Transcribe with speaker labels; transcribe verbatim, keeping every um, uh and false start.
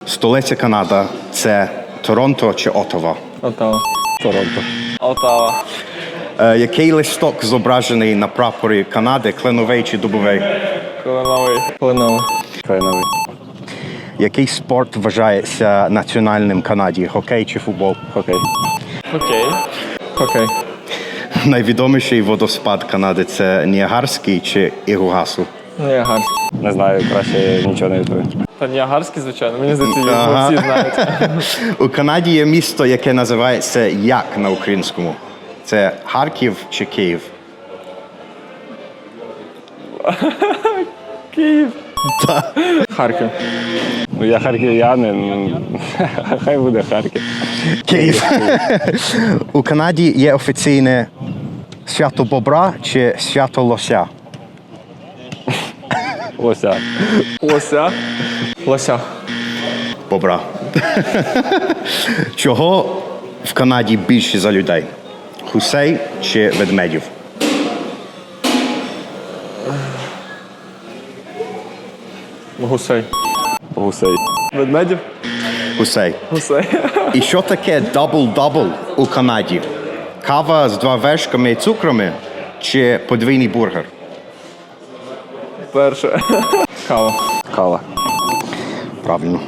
Speaker 1: Столиця Канада – це Торонто чи Оттава?
Speaker 2: Отава.
Speaker 3: Торонто.
Speaker 2: Отава.
Speaker 1: Е, який листок зображений на прапорі Канади, кленовий чи дубовий?
Speaker 2: Кленовий. Кленовий.
Speaker 3: Кленовий.
Speaker 1: Який спорт вважається національним Канаді? Хокей чи футбол?
Speaker 3: Хокей.
Speaker 2: Окей. Окей.
Speaker 1: Найвідоміший водоспад Канади – це Ніагарський чи Ігугасу?
Speaker 2: Ніагарський.
Speaker 3: Не знаю, краще нічого не відповім.
Speaker 2: Та Ніагарський, звичайно. Мені здається, його
Speaker 1: Ага.
Speaker 2: всі знають.
Speaker 1: У Канаді є місто, яке називається як на українському? Це Харків чи Київ?
Speaker 2: Київ. Харків.
Speaker 3: Ну, я харків'янин, ну, хай буде Харків.
Speaker 1: Київ. У Канаді є офіційне свято бобра чи свято лося?
Speaker 3: Лося.
Speaker 2: Лося. Лося.
Speaker 1: Бобра. Чого в Канаді більше за людей? Гусей чи ведмедів?
Speaker 2: Гусей.
Speaker 3: Гусей.
Speaker 2: Ведмедів?
Speaker 1: Гусей.
Speaker 2: Гусей.
Speaker 1: І що таке дабл-дабл у Канаді? Кава з два вершками і цукрами чи подвійний бургер?
Speaker 2: Перше. Кава.
Speaker 3: Кава.
Speaker 1: Правильно.